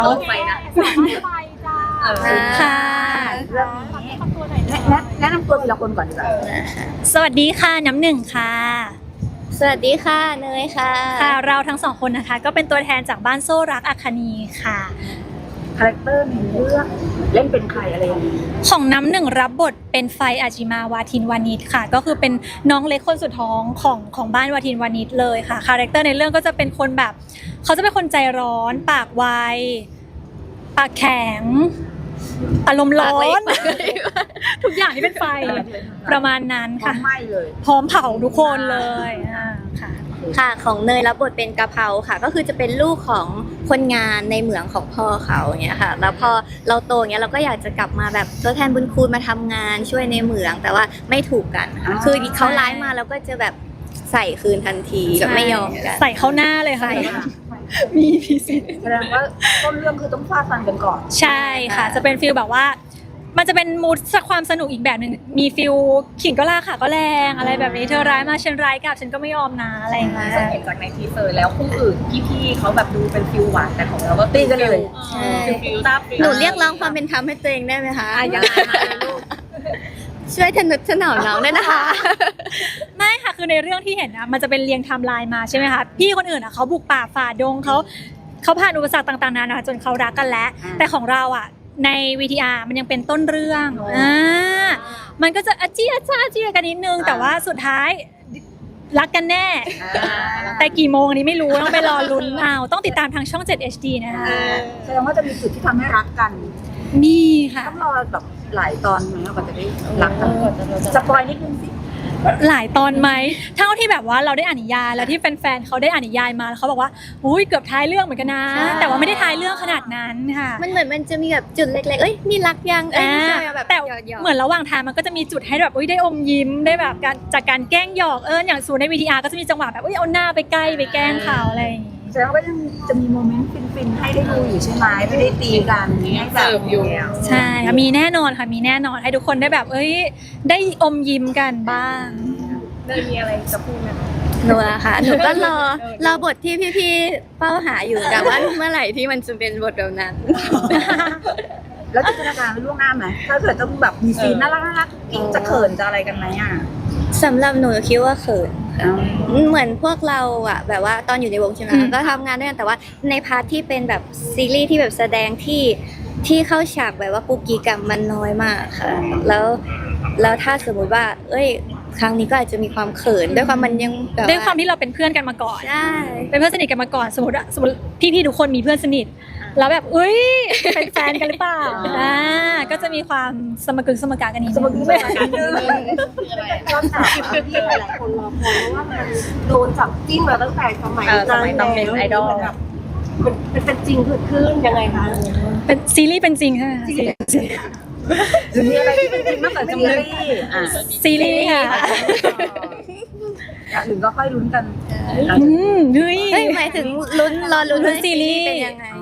เอาไปนะค่ะเรื่องนี้แนะนำตัวทีละคนก่อนดีกว่าสวัสดีค่ะน้ำหนึ่งค่ะสวัสดีค่ะเนยค่ะค่ะเราทั้งสองคนนะคะก็เป็นตัวแทนจากบ้านโซ่รักอัคนีค่ะคาแรคเตอร์ในเรื่องเล่นเป็นใครอะไรอย่างนี้ของน้ำหนึ่งรับบทเป็นไฟอาจิมาวาทินวานิชค่ะก็คือเป็นน้องเล็กคนสุดท้องของบ้านวาทินวานิชเลยค่ะคาแรคเตอร์ในเรื่องก็จะเป็นคนแบบเขาจะเป็นคนใจร้อนปากไวปากแข็งอารมณ์ร้อนทุกอย่างที่เป็นไฟประมาณนั้นพร้อค่ะมไหม้เลยพร้อมเผาทุกคนเลยค่ะค่ะของเนยรับบทเป็นกะเพราค่ะก็คือจะเป็นลูกของคนงานในเหมืองของพ่อเขาอย่างเงี้ยค่ะแล้วพอเราโตเงี้ยเราก็อยากจะกลับมาแบบทดแทนบุญคุณมาทำงานช่วยในเหมืองแต่ว่าไม่ถูกกันค่ะคือเขาร้ายมาแล้วก็จะแบบใส่คืนทันทีแบบไม่ยอมกันใส่เข้าหน้าเลยค่ะใส่ค่ะมีพิเศษแสดงว่าต้นเรื่องคือต้องฟาดฟันกันก่อนใช่ค่ะจะเป็นฟีลแบบว่ามันจะเป็นมูดความสนุกอีกแบบหนึ่งมีฟีลขิงก็ล่าค่ะก็แรงอะไรแบบนี้เธอร้ายมาฉันร้ายกลับฉันก็ไม่ยอมนะอะไรอย่างเงี้ยสังเกตจากในทีเซอร์แล้วคู่อื่นพี่ๆเขาแบบดูเป็นฟิลหวานแต่ของเราก็ตีกันเลยใช่ฟิลตาฟิลหนูเรียกร้องความเป็นธรรมให้ตัวเองได้ไหมคะยังไงมาลูกช่วยทนุถนอมน้องด้วยนะคะไม่ค่ะคือในเรื่องที่เห็นนะมันจะเป็นเรียงไทม์ไลน์มาใช่ไหมคะพี่คนอื่นอ่ะเขาบุกป่าฝ่าดงเขาผ่านอุปสรรคต่างๆนานาจนเขารักกันแล้วแต่ของเราอ่ะใน VTR มันยังเป็นต้นเรื่องมันก็จะอาเจียจ้าเจียกันนิดนึงแต่ว่าสุดท้ายรักกันแน่ แต่กี่โมงอันนี้ไม่รู้ต้องไปรอลุ้นเอาต้องติดตามทางช่อง 7 HD นะคะแสดงว่าจะมีจุดที่ทำให้รักกันมีค่ะต้องรอแบบหลายตอนไหมกว่าจะได้รักกันสปอยนิดนึงสิหลายตอนไหมเท่าที่แบบว่าเราได้อ่านนิยายแล้วที่แฟนๆเขาได้อ่านนิยายมาแล้วเขาบอกว่าอุ้ยเกือบท้ายเรื่องเหมือนกันนะ แต่ว่าไม่ได้ท้ายเรื่องขนาดนั้นค่ะมันเหมือนมันจะมีแบบจุดเล็กๆเอ้ยนี่รักยังเอ้ยไม่ใช่แบบแต่หยอกๆเหมือนระหว่างทางมันก็จะมีจุดให้แบบอุ้ยได้อมยิ้มได้แบบการจากการแกล้งหยอกอย่างสูนใน VTR ก็จะมีจังหวะแบบอุ้ยเอาหน้าไปใกล้ไปแกล้งเขาอะไรอย่างงี้แสดงว่ายังจะมีโมเมนต์ฟินๆให้ได้ดูอยู่ใช่ไหมไม่ได้ตีกันให้แบบใช่ค่ะมีแน่นอนค่ะมีแน่นอนให้ทุกคนได้แบบได้อมยิ้มกันบ้างเนยมีอะไรจะพูดไหมหนูอะค่ะหนูก็รอบทที่พี่ๆเป้าหาอยู่แต่ว่าเมื่อไหร่ที่มันจะเป็นบทแบบนั้นแล้วจินตนาการไว้ล่วงหน้าไหมถ้าเกิดต้องแบบมีซีนน่ารักๆจะเขินจะอะไรกันไหมอ่ะสำหรับหนูคิดว่าเขินค่ะเหมือนพวกเราอะแบบว่าตอนอยู่ในวงใช่ไหมก็ทำงานด้วยกันแต่ว่าในพาร์ทที่เป็นแบบซีรีส์ที่แบบแสดงที่เข้าฉากแบบว่ากุ๊กกิ๊กมันน้อยมากค่ะแล้วถ้าสมมุติว่าครั้งนี้ก็อาจจะมีความเขินด้วยความมันยังแบบด้วยความที่เราเป็นเพื่อนกันมาก่อนใช่เป็นเพื่อนสนิทกันมาก่อนสมมติพี่ๆทุกคนมีเพื่อนสนิทแล้วแบบเป็นแฟนกันหรือเปล่าก็จะมีความสมกึกสมการกันนิดสมมนึติงว่าตอนที่หลายๆคนรอคอยเพราะว่ามันโดนจับจิ้นมาตั้งแต่สมัยสมัยต้องเป็นไอดอลมันเป็นจริงเกิดขึ้นยังไงคะเป็นซีรีส์เป็นจริงใช่ไหมคะหรือมีอะไรที่เป็นจริงมากกว่าซีรีส์ซีรีส์ค่ะอย่างอื่นก็ค่อยลุ้นกันเฮ้ยหมายถึงรอลุ้นลุ้นซีรีส์เป็นยังไง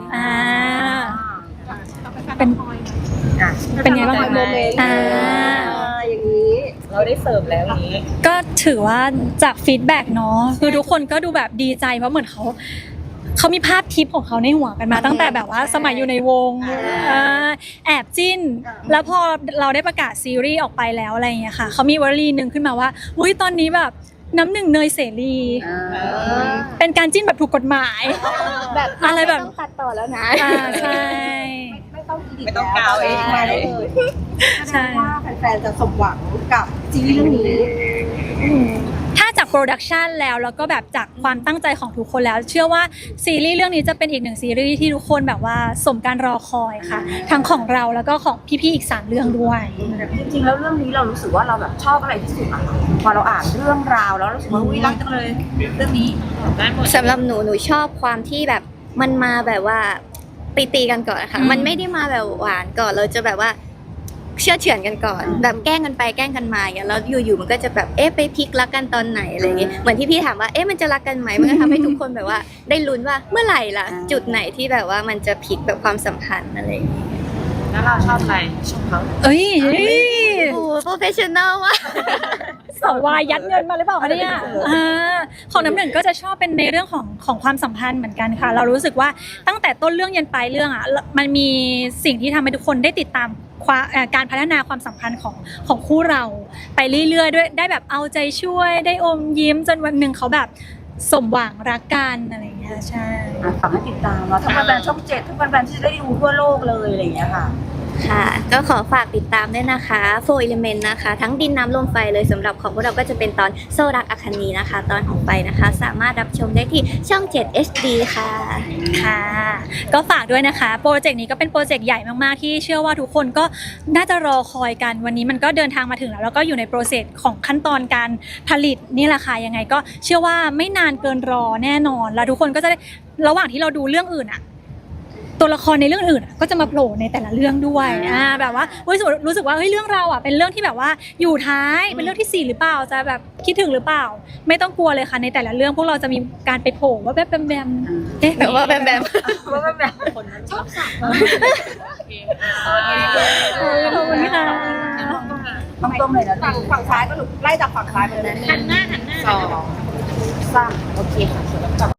เป็นไงบ้างคะอย่างนี้เราได้เสิร์ฟแล้วอย่างนี้ก็ถือว่าจากฟีดแบ็กเนาะคือทุกคนก็ดูแบบดีใจเพราะเหมือนเขามีภาพทิปของเขาในหัวกันมาตั้งแต่แบบว่าสมัยอยู่ในวงแอบจิ้น แล้วพอเราได้ประกาศซีรีส์ออกไปแล้วอะไรอย่างเงี้ยค่ะเขามีวลีหนึ่งขึ้นมาว่าอุ้ยตอนนี้แบบน้ำหนึ่งเนยเสรีเป็นการจิ้นแบบถูกกฎหมายแบบอะไรแบบม่ต้องตัดต่อแล้วนะใช่ไม่ต้องกาวเองมาได้เลยใช่ว่าแฟนๆจะสมหวังกับซีรีส์เรื่องนี้ถ้าจากโปรดักชันแล้วก็แบบจากความตั้งใจของทุกคนแล้ว เชื่อว่าซีรีส์เรื่องนี้จะเป็นอีกหนึ่งซีรีส์ที่ทุกคนแบบว่าสมการรอคอยค่ะ ทั้งของเราแล้วก็ของพี่ๆอีก3เรื่องด้วยจริงๆแล้วเรื่องนี้เรารู้สึกว่าเราแบบชอบอะไรที่สุดอะพอเราอ่านเรื่องราวแล้วรู้สึกว่าอุ้ยรักจังเลยเรื่องนี้สำหรับหนูชอบความที่แบบมันมาแบบว่าตีกันก่อนค่ะ มันไม่ได้มาแบบหวานก่อนเราจะแบบว่าเชื่อเฉือนกันก่อน แบบแกล้งกันไปแกล้งกันมาอย่างเงี้ยแล้วอยู่ๆมันก็จะแบบไปพลิกรักกันตอนไหนอะไรอย่างเงี้ยเหมือนที่พี่ถามว่ามันจะรักกันไหมมันก็ทำให้ทุกคนแบบว่าได้ลุ้นว่าเมื่อไหร่ล่ะจุดไหนที่แบบว่ามันจะพลิกแบบความสัมพันธ์อะไรอย่างเงี้ยแล้วเราชอบอะไรชอบเขาเอ้ยโอ้โปรเฟชชั่นอลว่ะสวายยัดเงินมาหรือเปล่าคะเนี่ยของน้ำหนึ่งก็จะชอบเป็นในเรื่องของความสัมพันธ์เหมือนกันค่ะเรารู้สึกว่าตั้งแต่ต้นเรื่องยันปลายเรื่องอ่ะมันมีสิ่งที่ทำให้ทุกคนได้ติดตามการพัฒนาความสัมพันธ์ของคู่เราไปเรื่อยๆด้วยได้แบบเอาใจช่วยได้อมยิ้มจนวันหนึ่งเขาแบบสมหวังรักกันอะไรอย่างเงี้ยใช่ฝากให้ติดตามเนาะทั้งแฟนๆช่อง7ทั้งแฟนๆที่จะได้ดูทั่วโลกเลยอะไรอย่างเงี้ยค่ะค่ะก็ขอฝากติดตามด้วยนะคะ4 Element นะคะทั้งดินน้ำลมไฟเลยสำหรับของพวกเราก็จะเป็นตอนโซรักอคนีนะคะตอนของไฟนะคะสามารถรับชมได้ที่ช่อง7 HD ค่ะค่ะก็ฝากด้วยนะคะโปรเจกต์นี้ก็เป็นโปรเจกต์ใหญ่มากๆที่เชื่อว่าทุกคนก็น่าจะรอคอยกันวันนี้มันก็เดินทางมาถึงแล้วก็อยู่ในโปรเซสของขั้นตอนการผลิตนี่แหละค่ะยังไงก็เชื่อว่าไม่นานเกินรอแน่นอนแล้วทุกคนก็จะได้ระหว่างที่เราดูเรื่องอื่นอะตัวละครในเรื่องอื่นก็จะมาโผล่ในแต่ละเรื่องด้วยแบบว่ารู้สึกว่าเฮ้ยเรื่องเราอ่ะเป็นเรื่องที่แบบว่าอยู่ท้ายเป็นเรื่องที่4หรือเปล่าจะแบบคิดถึงหรือเปล่าไม่ต้องกลัวเลยค่ะในแต่ละเรื่องพวกเราจะมีการไปโผล่ว่าแบบแบมเอ๊ะแบบว่าแบมคนชอบสักขอบคุณค่ะตรงๆเลยนะฝั่งซ้ายก็หลุดไล่จากฝั่งซ้ายไปเลยหันหน้า 2 3โอเคค่ะ